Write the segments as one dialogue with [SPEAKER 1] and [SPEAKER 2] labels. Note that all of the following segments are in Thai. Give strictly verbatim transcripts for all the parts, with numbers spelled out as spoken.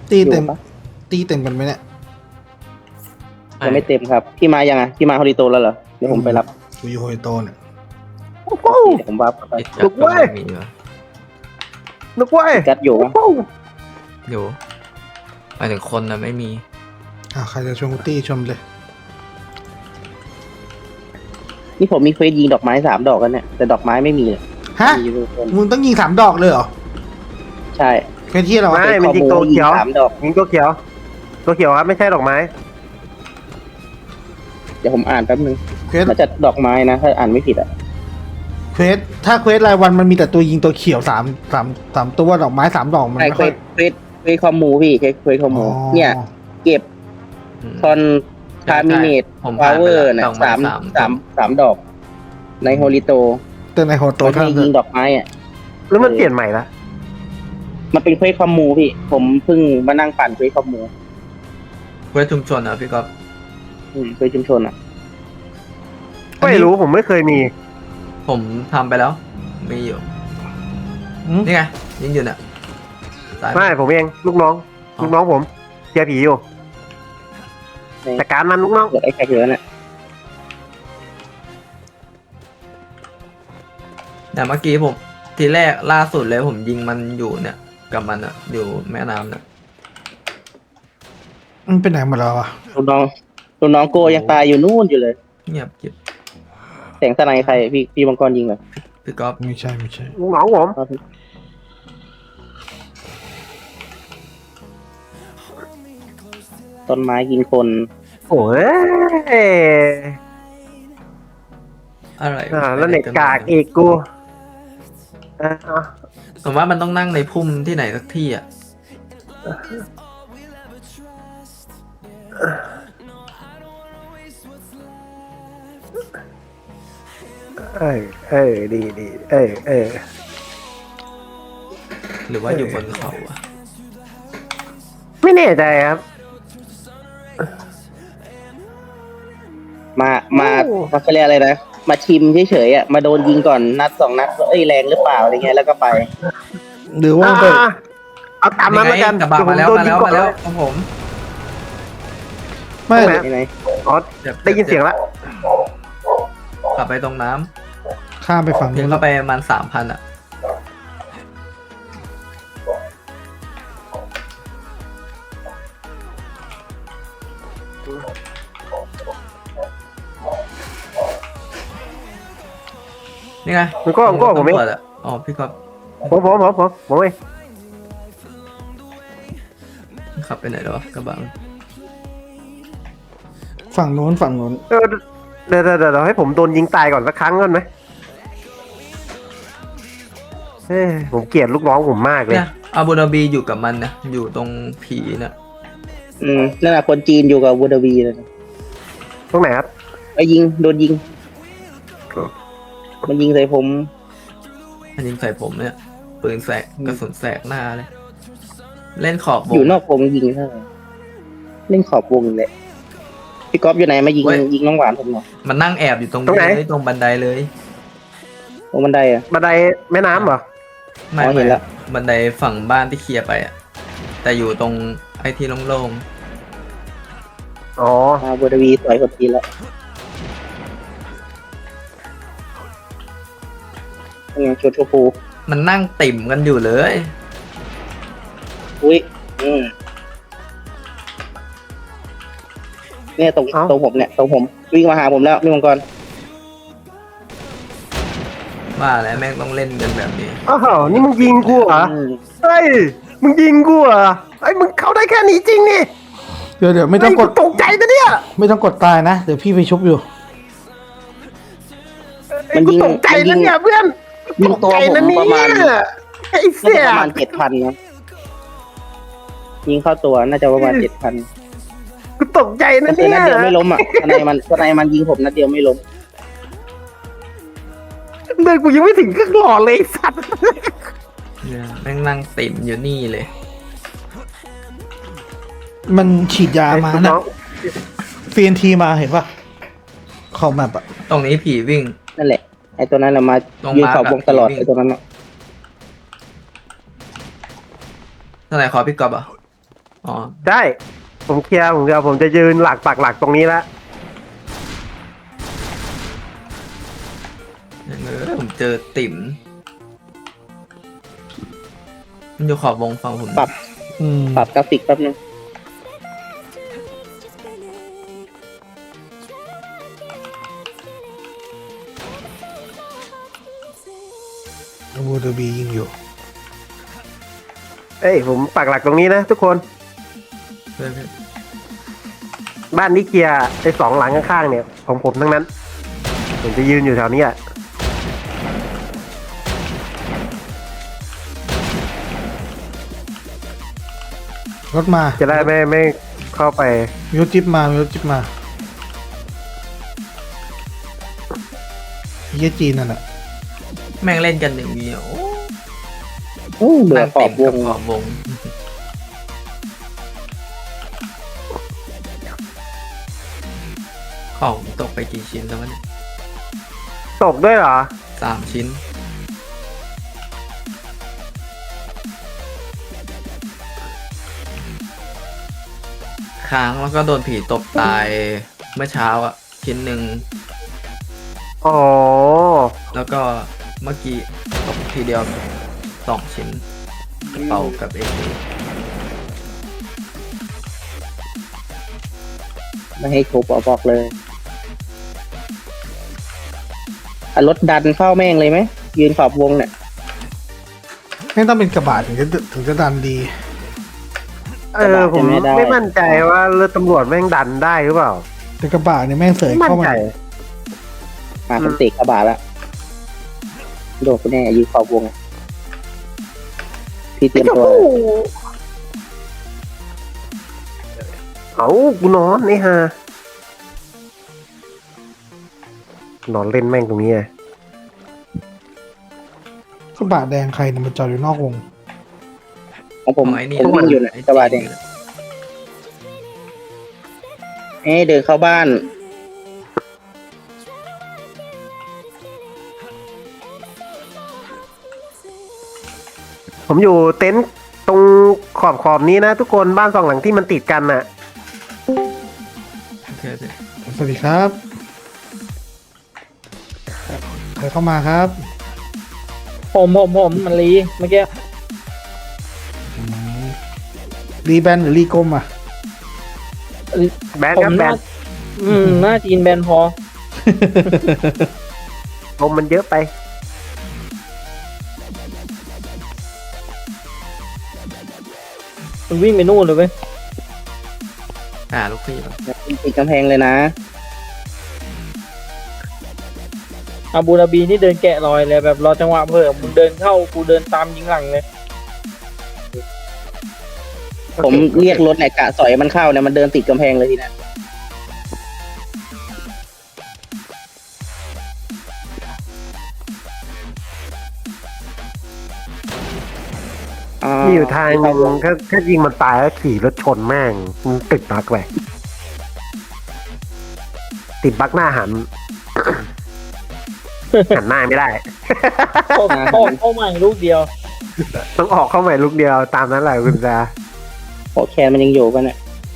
[SPEAKER 1] ตีเต็มตีเต็มกันไหมเนี่ย
[SPEAKER 2] ยังไม่เต็มครับพี่มายังไงพี่มาฮอริโตแล้วเหรอเดี๋ยวผมไปรับ
[SPEAKER 1] กูอยู่โฮยโตเนี่ย
[SPEAKER 2] เดี๋ยวผมวับไป
[SPEAKER 3] ลุกเว้ยลุกเว้ย
[SPEAKER 2] กัดอยู่นะ
[SPEAKER 4] อยู่หมายถึงคนนะไม่มี
[SPEAKER 1] อ่าใครจะชมกูตี้ชมเลย
[SPEAKER 2] นี่ผมมีเควสยิงดอกไม้สามดอกกันเนี่ยแต่ดอกไม้ไม่มีเลย
[SPEAKER 1] ฮะ
[SPEAKER 2] มีอยู่คน
[SPEAKER 1] มึงต้องยิงสามดอกเลยเหรอ
[SPEAKER 2] ใช่
[SPEAKER 1] แค่ที่เรา
[SPEAKER 3] ไม่มันยิงตัวเขียว
[SPEAKER 2] สามดอก
[SPEAKER 3] ยิงตัวเขียว ตัวเขียวครับไม่ใช่ดอกไม้
[SPEAKER 2] เดี๋ยวผมอ่านแป๊บนึง
[SPEAKER 1] เควส
[SPEAKER 2] น่าจะดอกไม้นะถ้าอ่านไม่ผิดอ่ะ
[SPEAKER 1] เควสถ้าเควสรายวันมันมีแต่ตัวยิงตัวเขียวสามสามสามตัวดอกไม้สามดอกมัน
[SPEAKER 2] ใช่
[SPEAKER 1] ไม่
[SPEAKER 2] เคว
[SPEAKER 1] ค่อย
[SPEAKER 2] สเควสเควสคอมมูพี่เควสเควสคอมมู
[SPEAKER 1] อ๋อ
[SPEAKER 2] เนี่ยเก็บ
[SPEAKER 4] อืม
[SPEAKER 2] คอนทามิเนต
[SPEAKER 4] ผม
[SPEAKER 2] พา
[SPEAKER 4] ผ่าน
[SPEAKER 2] ว
[SPEAKER 4] ไป
[SPEAKER 2] เวอ
[SPEAKER 4] แล้ว
[SPEAKER 2] ร์นะ
[SPEAKER 4] ดอกไม้
[SPEAKER 2] สาม
[SPEAKER 4] สาม
[SPEAKER 2] สามสามดอก ในโฮลิโต
[SPEAKER 1] แต่ในโฮโต
[SPEAKER 2] ตัว
[SPEAKER 1] เท่า
[SPEAKER 2] ที่
[SPEAKER 1] นั้น
[SPEAKER 2] ยิงดอกไม้อ่ะ
[SPEAKER 3] แล้วมันเปลี่ยนใหม่ละ
[SPEAKER 2] มันเป็นเควสคอมมูพี่ ผมเพิ่งมานั่งปั่นเควสคอมมู
[SPEAKER 4] เพื่อชุมชนอ่ะพี่ก๊อฟ
[SPEAKER 2] อืมเควสชุมชนอ่ะ
[SPEAKER 3] ไม่รู้ผมไม่เคยมี
[SPEAKER 4] ผมทำไปแล้ว มีอยู่
[SPEAKER 1] อืม
[SPEAKER 4] นี่ไงยิงอยู่เนี่ยสาย
[SPEAKER 3] ไม่ผมเองลูกน้อง ลูกน้องผมเชียร์ผีอยู่แต่การมันลูกน้อง
[SPEAKER 2] เกิดไอ้แค่เหลือน่ะ
[SPEAKER 4] แต่เมื่อกี้ผมทีแรกล่าสุดเลยผมยิงมันอยู่เนี่ย กับมันอ่ะ อยู่แม่น้ำเนี่ย
[SPEAKER 1] มันเป็นไหนหมดแล้วอ่ะ
[SPEAKER 2] ลูกน้องลูกน้องโกยังตายอยู่นู่นอยู่เลย
[SPEAKER 4] เงียบกิบ
[SPEAKER 2] แสงสไนใครพี่พี่มังกรยิงเหรอ
[SPEAKER 4] พี่ก๊อฟ
[SPEAKER 1] ไม่ใช่ไม่ใช่
[SPEAKER 3] ลูกน้องผม
[SPEAKER 2] เอาสิ ต้นไม้กินคน
[SPEAKER 3] โอ้ย
[SPEAKER 4] อะไร
[SPEAKER 3] อ่าแล้วเน็ตกากอีกกูอ่า
[SPEAKER 4] ผมว่ามันต้องนั่งในพุ่มที่ไหนสักที่อ่ะ
[SPEAKER 3] เออเออดีดีเออเออ
[SPEAKER 4] หรือว่าอยู่บนเขาอ่ะ
[SPEAKER 3] ไม่แน่ใจครับ
[SPEAKER 2] มามา
[SPEAKER 3] โอ้
[SPEAKER 2] มาเขาเรียกอะไรนะมาชิมเฉยๆอ่ะมาโดนยิงก่อนนัดสองนัดว่าเอ้ยแรงหรือเปล่าอะไรเงี้ยแล้วก็ไป
[SPEAKER 1] หรือว่า
[SPEAKER 3] อ่า
[SPEAKER 1] ไป
[SPEAKER 3] เอาตามนั้นแล้วกัน
[SPEAKER 4] กระบะมาแล้ว
[SPEAKER 3] เดี๋
[SPEAKER 4] มา
[SPEAKER 3] ยว
[SPEAKER 4] แล้ว
[SPEAKER 3] ผมโดนยิงก่อน
[SPEAKER 4] มาแล้วของผม
[SPEAKER 1] ไม่
[SPEAKER 3] ตรงไหน
[SPEAKER 2] ที่ไหน
[SPEAKER 3] อ๋อ
[SPEAKER 4] จ็บ
[SPEAKER 3] ได้ยินเสียงแล้ว
[SPEAKER 4] กลับไปตรงน้ำ
[SPEAKER 1] ข้ามไปฝั่ง
[SPEAKER 4] เพีย
[SPEAKER 1] นู้
[SPEAKER 4] ง
[SPEAKER 1] น
[SPEAKER 4] เข้าไปประมาณสามพันอ่ะ นี่ไง
[SPEAKER 3] มันก็มันก็ผมเอง
[SPEAKER 4] ตำรวจะอ๋อพี่ก๊อฟ
[SPEAKER 3] ผมผมผมผมผมเอง
[SPEAKER 4] ขับไปไหนแล้ววะกระบะ
[SPEAKER 1] ฝั่งนู้นฝั่งนู้น
[SPEAKER 3] เออเดี๋ยวเดี๋ยวเดี๋ยวให้ผมโดนยิงตายก่อนสักครั้งก่อนไหมเอ้ยผมเกลียดลูกน้องผมมากเลย
[SPEAKER 4] เนี่ยอาบูดาบีอยู่กับมันนะอยู่ตรงผีน่ะ
[SPEAKER 2] อืมนั่นแหละคนจีนอยู่กับวูดาวีเลยนะ
[SPEAKER 3] ตรงไหนครับ
[SPEAKER 2] ไปยิงโดนยิง มันยิงใส่ผม
[SPEAKER 4] มันยิงใส่ผมเนี่ยปืนแสกกระสุนแสกหน้าเลย เล่นขอบว
[SPEAKER 2] อง ยู่นอกวงยิงเท่าไหร่เล่นขอบวงเลยพี่ก๊อฟอยู่ไหนมายิง
[SPEAKER 4] เว้ย
[SPEAKER 2] ยิงน้องหวานผมหน่อย
[SPEAKER 4] มันนั่งแอบอยู่ตรง
[SPEAKER 3] ตรงไหน
[SPEAKER 4] เลยตรงบันไดเลย
[SPEAKER 2] ตรงบันไดอ่ะ
[SPEAKER 3] บันไดแม่น้ำเหรอ
[SPEAKER 4] ไม่
[SPEAKER 2] อ๋อเห็
[SPEAKER 4] ไม่
[SPEAKER 2] นละ
[SPEAKER 4] บันไดฝั่งบ้านที่เคลียร์ไปอ่ะ แต่อยู่ตรงไอ้ที่โล่ง
[SPEAKER 3] อ๋อ
[SPEAKER 2] มาวูดาวีสวยกว่าทีแล้วนี่ไงชุดชมพู
[SPEAKER 4] ๆมันนั่งติ่มกันอยู่เลย
[SPEAKER 2] อุ้ยอืมเนี่ยตรง
[SPEAKER 3] เอ้า
[SPEAKER 2] ตรงผมเนี่ยตรงผมวิ่งมาหาผมแล้วนี่มังกร
[SPEAKER 4] ว่าแล้วแม่งต้องเล่นกันแบบนี้
[SPEAKER 3] อ้าวนี่มึงยิงกูเหรอ
[SPEAKER 2] อืม
[SPEAKER 3] เฮ้ยมึงยิงกูเหรอไอ้ยมึงเข้าได้แค่นี้จริงนี่
[SPEAKER 1] เดี๋ยวเดี๋ยวไม่ต้องกด
[SPEAKER 3] เฮ้ยตกใจนะเนี่ย
[SPEAKER 1] ไม่ต้องกดตายนะ เดี๋ยวพี่ไปชุบอยู่
[SPEAKER 3] ไอ้กูตกใจนะเนี่ยเพื่อน
[SPEAKER 2] ยิงตัว
[SPEAKER 3] ตกใจ
[SPEAKER 2] ผม
[SPEAKER 3] นะเนี่
[SPEAKER 2] ประมาณ
[SPEAKER 3] ยไอ้
[SPEAKER 2] น่า
[SPEAKER 3] เสี
[SPEAKER 2] จะ
[SPEAKER 3] ย
[SPEAKER 2] ประมาณเจ็ดพันนะยิงเข้าตัวน่าจะประมาณเจ็ดพัน
[SPEAKER 3] กูตกใจนะ
[SPEAKER 2] แต่
[SPEAKER 3] เนี่ย
[SPEAKER 2] นัดเดียวไม่ล้มอ่ะทนายมันทนายมันยิงผมนัดเดียวไม่ล้ม
[SPEAKER 3] เดินกูยังไม่ถึงครึ่งหลอดเลยไอ้สัตว์
[SPEAKER 4] เนี่ยแม่งนั่งติ่มอยู่นี่เลย
[SPEAKER 1] มันฉีดยามา
[SPEAKER 3] ไอ้
[SPEAKER 1] นะ
[SPEAKER 3] น้อง
[SPEAKER 1] ฟีนทีมาเห็นปะขอบแมปอะ
[SPEAKER 4] ตรงนี้ผีวิ่ง
[SPEAKER 2] นั่นแหละไอ้ตัวนั้นแหละมา
[SPEAKER 4] ตรง
[SPEAKER 2] ยืน
[SPEAKER 4] มาร์ค
[SPEAKER 2] ขอบวงตลอด
[SPEAKER 4] อะ
[SPEAKER 2] ไอ้ตัวนั้นน่ะ
[SPEAKER 4] เท่าไหร่ขอพี่กอบอ่ะอ๋อ
[SPEAKER 3] ใช่ผมเคลียร์ผมเดียวผมจะยืนหลักปักหลักตรงนี้ละ
[SPEAKER 4] อย่างเออผมเจอติ๋มมันอยู่ขอบวงฝั่งผม
[SPEAKER 2] ปรับ
[SPEAKER 1] อืม
[SPEAKER 2] ปรับกราฟิกแป๊บนึง
[SPEAKER 1] บูเดบียิงอยู่
[SPEAKER 3] เอ้ยผมปักหลักตรงนี้นะทุกคน
[SPEAKER 4] เพื่อน
[SPEAKER 3] บ้านนี้เคลียร์ไอ้สองหลังข้างๆเนี่ยของผมทั้งนั้น ผมจะยืนอยู่แถวนี้อ่ะ
[SPEAKER 1] รถมา
[SPEAKER 3] จะได้ไม่ไม่เข้าไป
[SPEAKER 1] มีรถจิ๊บมามีรถจิ๊บมาเยี่ยจีนนั่นแหละ
[SPEAKER 4] แม่งเล่นกันอย่างเดียว
[SPEAKER 2] โอ้เบื่อ
[SPEAKER 4] นั่ง
[SPEAKER 2] ขอ
[SPEAKER 4] ติ่
[SPEAKER 2] บ
[SPEAKER 4] ม
[SPEAKER 2] ว
[SPEAKER 4] กับ
[SPEAKER 2] ง
[SPEAKER 4] ขอบวง ของตกไปกี่ชิ้นแล้ววะเนี่ย
[SPEAKER 3] ตกด้วยเหรอ
[SPEAKER 4] สามชิ้น ค้างแล้วก็โดนผีตบตายเมื่อเช้าอ่ะ ชิ้นหนึ่ง
[SPEAKER 3] อ๋อ
[SPEAKER 4] แล้วก็เมื่อกี้ตกทีเดียวสองชิ้นกระเป๋ากับเอเค
[SPEAKER 2] ไม่ให้ทุบเอาบอกเลยอ่ะรถดันเข้าแม่งเลยไหมยืนขอบวงเนี่ย
[SPEAKER 1] ไม่ต้องเป็นกระบะถึงจะถึงจะดันดี
[SPEAKER 3] เออผมไม่มั่นใจว่าเรือตำรวจแม่งดันได้หรือเปล่า
[SPEAKER 1] แต่กระบะเนี่ยแม่งเสย
[SPEAKER 3] ไม่มั่น
[SPEAKER 1] เข้ามา
[SPEAKER 3] ใจ
[SPEAKER 2] มาผมเตะกระบะละโดดไปแน่ยืนขอบวงพี่เตรียมตัว
[SPEAKER 3] เอากูนอนไอ้ห่านอนเล่นแม่งตรงนี้ไง
[SPEAKER 1] กระบะแดงใครเนี่ยมันจอดอยู่นอกวง
[SPEAKER 2] ของผม
[SPEAKER 4] ของไอ้นี่
[SPEAKER 2] ผมวิ่งอยู่เนี่ย
[SPEAKER 4] ไอ้
[SPEAKER 2] กระบะแดงเอ้ยเดินเข้าบ้าน
[SPEAKER 3] ผมอยู่เต็นท์ตรงขอบขอบนี้นะทุกคนบ้านสองหลังที่มันติดกันน่ะ
[SPEAKER 4] โอเคโอเค
[SPEAKER 1] สวัสดีครับใครเข้ามาครับ
[SPEAKER 5] ผมผมผมมันรีเมื่อกี้
[SPEAKER 1] อืมรีแบนหรือรีกลมอ่ะ
[SPEAKER 3] แบน
[SPEAKER 5] ผ
[SPEAKER 3] ครั
[SPEAKER 5] ม
[SPEAKER 3] บแบ
[SPEAKER 5] น่าน อืมหน้าจีนแบนพอ
[SPEAKER 3] ลมมันเยอะไป
[SPEAKER 5] มันวิ่งไปนู่นเลยเว้ย
[SPEAKER 4] อ่าลูกพี่ป่ะ
[SPEAKER 2] ติดกำแพงเลยนะ
[SPEAKER 5] อาบูดาบีนี่เดินแกะรอยเลยแบบรอจังหวะเพิ่มมึงเดินเข้ากูเดินตามยิงหลังเลย
[SPEAKER 2] ผมเรียกรถเนี่ยกะสอยมันเข้าเนี่ยมันเดินติดกำแพงเลยทีเนี้ยา
[SPEAKER 3] มีอยู่ทางหนึ่งถ้าถ้ายิงมันตายแล้วขี่รถชนแม่งมันติดบั๊กไปติดบั๊กหน้าหัน หันหน้าไม่ได้
[SPEAKER 5] เข้าเข้าเข้าใหม่ลูกเดียว
[SPEAKER 3] ต้องออกเข้าใหม่ลูกเดียวตามนั้นแหละคุณจา
[SPEAKER 2] โอแคนมันยังอยู่ป่ะเนี่ย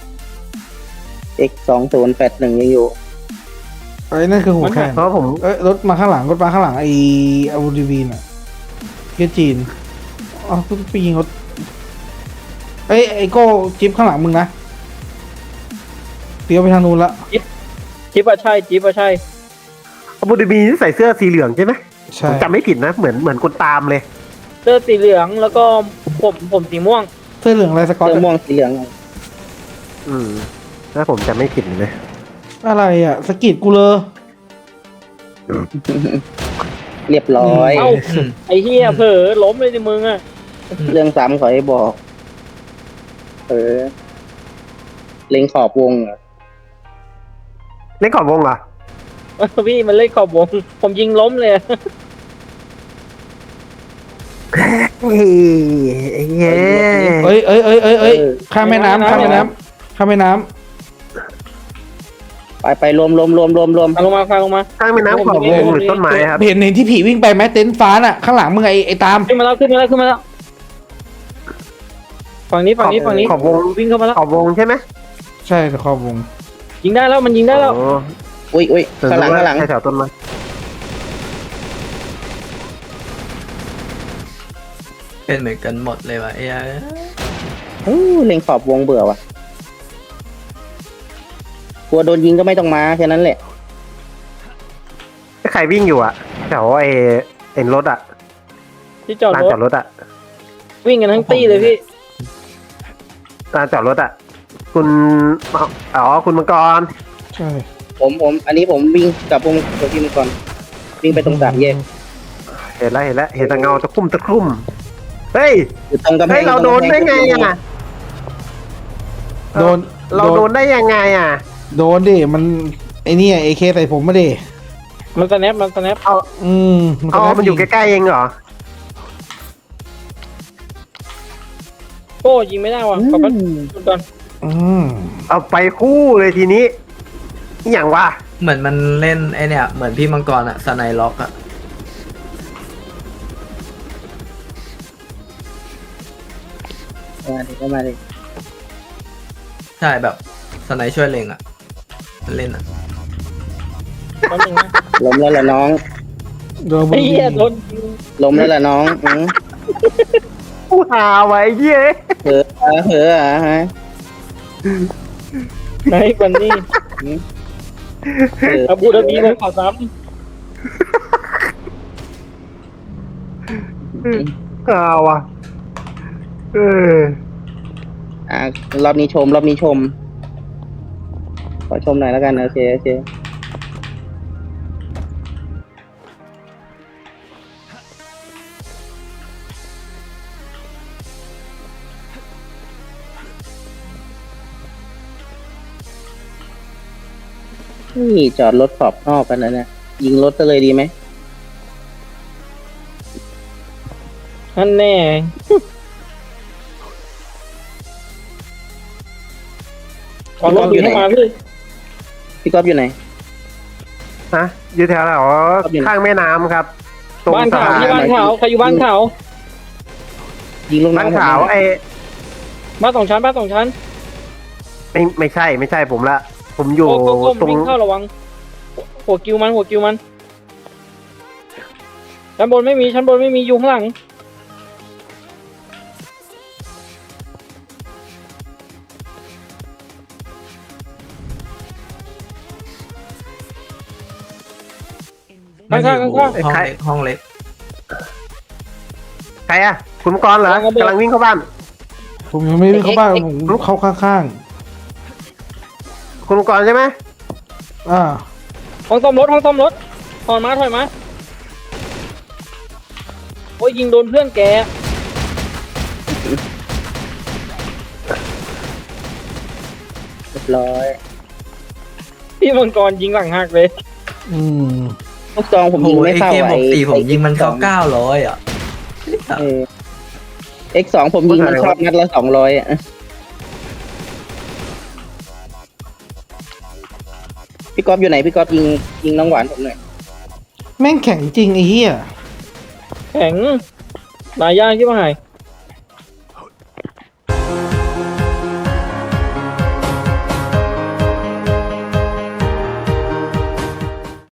[SPEAKER 2] x สองศูนย์แปดหนึ่งยังอยู่
[SPEAKER 1] ไอ้นั่นคือหัวแคน
[SPEAKER 3] เพราะผม
[SPEAKER 1] เอ้ยรถมาข้างหลังรถมาข้างหลังไอ้อาบูดีวีน่ะเยี่ยจีนอ๋อไปยิงรถเอ้ยไอ้โก้จิ๊บข้างหลังมึงนะเลี้ยวไปทางนู้นละ
[SPEAKER 5] จิ๊บอะใช่จิ๊บอะใช่
[SPEAKER 3] อบูดาบีใส่เสื้อสีเหลืองใช่ไหมผ
[SPEAKER 1] ใช่
[SPEAKER 3] มจำไม่ผิดนะเหมือนเหมือนคนตามเลย
[SPEAKER 5] เสื้อสีเหลืองแล้วก็ผมผมสีม่วง
[SPEAKER 1] เสื้อเหลืองอะไรสกอต
[SPEAKER 2] เสื้อม่วงสีเหลือง
[SPEAKER 3] อืมถ้าผมจำไม่ผิดเลย
[SPEAKER 1] อะไรอ่ะสกิดกูเลย
[SPEAKER 2] เรียบร้อย
[SPEAKER 5] เอ้า
[SPEAKER 4] อืม
[SPEAKER 5] ไอ้เฮียเผลอล้มเลยในมึงอะ
[SPEAKER 2] เรื่องซ้ำขอให้บอก เออ เล็งขอบวงเหรอ
[SPEAKER 3] เล่นขอบวงเหรอ
[SPEAKER 5] พี่มันเล่นขอบวงผมยิงล้มเลย
[SPEAKER 3] เฮ้ยไอ้เหี้ย
[SPEAKER 1] เอ้ยเอ้ยเอ้ยเอ้ยเอ้ยข้ามแม่น้ำข้ามแม่น้ำข้ามแม่น้
[SPEAKER 2] ไปไปรวมรวมรวมรวมรวม
[SPEAKER 5] ฟังลงมาฟังลงมา
[SPEAKER 3] ข้างแม่น้ำขอบวงหรือต้น
[SPEAKER 1] ำ
[SPEAKER 3] ไม้ครับ
[SPEAKER 1] เห็นเห็นที่ผีวิ่งไปไหมเต็นท์ฟ้าน่ะข้างหลังมึงไอ้ไอ้ตาม
[SPEAKER 5] ขึ้นมาแล้วขึ้นมาแล้วขึ้นมาแล้วฝั่งนี้ฝั่งนี้ฝั่งนี้
[SPEAKER 3] ขอบวง
[SPEAKER 5] วิ่งเข้ามาแล้ว
[SPEAKER 3] ขอบวงใช่ไหม
[SPEAKER 1] ใช่แต่ขอบวง
[SPEAKER 5] ยิงได้แล้วมันยิงได้แล้ว
[SPEAKER 3] โอ้
[SPEAKER 2] อุ้ยอุ้ยข้างหลังข้างหลัง
[SPEAKER 3] แถวต้นไม้
[SPEAKER 4] เป็นเหมือนกันหมดเลยว่ะไอ้เหี้ย
[SPEAKER 2] อู้เล็งขอบวงเบื่อว่ะกลัวโดนยิงก็ไม่ต้องมาแค่นั้นแหละ
[SPEAKER 3] ใครวิ่งอยู่อะแถวไอ้เอ็นรถอะ
[SPEAKER 5] ที่จอด
[SPEAKER 3] ลาน
[SPEAKER 5] รถ
[SPEAKER 3] จอดรถอะ
[SPEAKER 5] วิ่งกันทั้งตี้เลยพี่
[SPEAKER 3] ลานจอดรถอะคุณอ๋อคุณมังกร
[SPEAKER 1] ใช่
[SPEAKER 2] ผมผมอันนี้ผมวิ่งกลับวงตัวที่มันก่อนวิ่งไปตรงสามแยก
[SPEAKER 3] เห็นแล้วเห็นแล้วเห็นแต่เงาตะคุ่มตะคุ่มเฮ้ย
[SPEAKER 2] อยู่ตรงกำแพ
[SPEAKER 3] เฮ้ย
[SPEAKER 2] ง
[SPEAKER 3] เราโดนได้ไงอะ
[SPEAKER 1] โดน
[SPEAKER 3] เราโดนได้ยังไงอะ
[SPEAKER 1] โดนดิมันไอเนี่ยเอเคใส่ผมมาดิ
[SPEAKER 5] มันสแนปมันสแนป
[SPEAKER 3] เอา
[SPEAKER 1] อืม
[SPEAKER 3] เอามันอยู่ใกล้ๆเองเหรอ
[SPEAKER 5] โก้ยิงไม่ได้ว่ะขอบคุณก่อน
[SPEAKER 1] อืม
[SPEAKER 3] เอาไปคู่เลยทีนี้อหย่างวะ
[SPEAKER 4] เหมือนมันเล่นไอเนี่ยเหมือนพี่มังกรอะสไนล็อกอะ
[SPEAKER 2] มาดิก็มาดิ
[SPEAKER 4] ใช่แบบสไนช่วยเล็งอะมันเล่นอะ
[SPEAKER 5] แป๊บนึงนะ
[SPEAKER 2] ล้มแล้วล่ะน้อง
[SPEAKER 1] โดนบุ
[SPEAKER 5] ไอ้
[SPEAKER 1] รี
[SPEAKER 5] เหี้ยโดน
[SPEAKER 2] ล้มแล้วล่ะน้องอืม
[SPEAKER 3] ผู้หาไว้เย้ย
[SPEAKER 2] เหอะอ่ะเหอะอ่ะฮะ
[SPEAKER 5] ไหนบันนี่
[SPEAKER 2] เหอะ
[SPEAKER 5] อาบูดาบีเลยขอซ้
[SPEAKER 3] หาว่ะเออ
[SPEAKER 2] อ่ะรอบนี้ชม รอบนี้ชม ขอชมหน่อยแล้วกันโอเคโอเคนี่จอดรถขอบนอกกันนะเนี่ยยิงรถก็เลยดีไหม
[SPEAKER 5] ำนั่นแน่ขอรถอยู่ให้มาพี่
[SPEAKER 2] พี่ก๊อฟอยู่ไหน
[SPEAKER 3] ฮะอยู่แถวแถว
[SPEAKER 2] ครับอยู่ไหน
[SPEAKER 3] ข้างแม่น้ำครับ ตรง
[SPEAKER 5] บ้าน
[SPEAKER 3] สะ
[SPEAKER 5] ขาว
[SPEAKER 3] พาน
[SPEAKER 5] ที่บ้านขาวใครอยู่บ้านขาว
[SPEAKER 2] ยิงลง
[SPEAKER 3] บ้าน
[SPEAKER 2] น้ำ
[SPEAKER 3] ขาว
[SPEAKER 2] ผม
[SPEAKER 3] ไอ้
[SPEAKER 5] บ้านสองชั้นบ้านสองชั้น
[SPEAKER 3] ไม่ไม่ใช่ไม่ใช่ผมละ ผมอยู่
[SPEAKER 5] โก้โก้โก้
[SPEAKER 3] ตรง
[SPEAKER 5] วิ่งเข้าระวังหัวกิวมันหัวกิวมันชั้นบนไม่มีชั้นบนไม่มีอยู่ข้างหลัง
[SPEAKER 4] มันอยู่
[SPEAKER 5] ข้างๆข้าง
[SPEAKER 4] ห้องเล็กห้องเล็ก
[SPEAKER 3] ใครอะคุณมังกรเหรอกำลังวิ่งเข้าบ้าน
[SPEAKER 1] ผมยังไม่ได้เข้าบ้านผมเข้าข้าง
[SPEAKER 3] คุณมังกรใช่ไหม
[SPEAKER 1] ๆอ่า
[SPEAKER 5] ห้องซ่อมรถห้องซ่อมรถถอยมาถอยมาโอ้ยยิงโดนเพื่อนแก
[SPEAKER 2] เรียบร้อย
[SPEAKER 5] พี่มังกรยิงหลังหักเลย
[SPEAKER 1] อืม
[SPEAKER 2] ลูกซองผม
[SPEAKER 4] โอ้
[SPEAKER 2] ยิง
[SPEAKER 4] โห
[SPEAKER 2] ไม่
[SPEAKER 4] เอ
[SPEAKER 2] เข้า
[SPEAKER 4] เค
[SPEAKER 2] อ่ะ
[SPEAKER 4] บวกสี่ผมยิงมันเข้า
[SPEAKER 2] ไอ้
[SPEAKER 4] เก้าร้อยอะ
[SPEAKER 2] เออ เอ็กซ์ สองผมยิงมันเข้านัดละสองร้อยอ่ะพี่ก๊อฟอยู่ไหนพี่ก๊อฟยิงยิงน้องหวานผมหน่อย
[SPEAKER 1] แม่งแข็งจริงไอ้เหี้ย
[SPEAKER 5] แข็งหลายอย่างที่มาหาย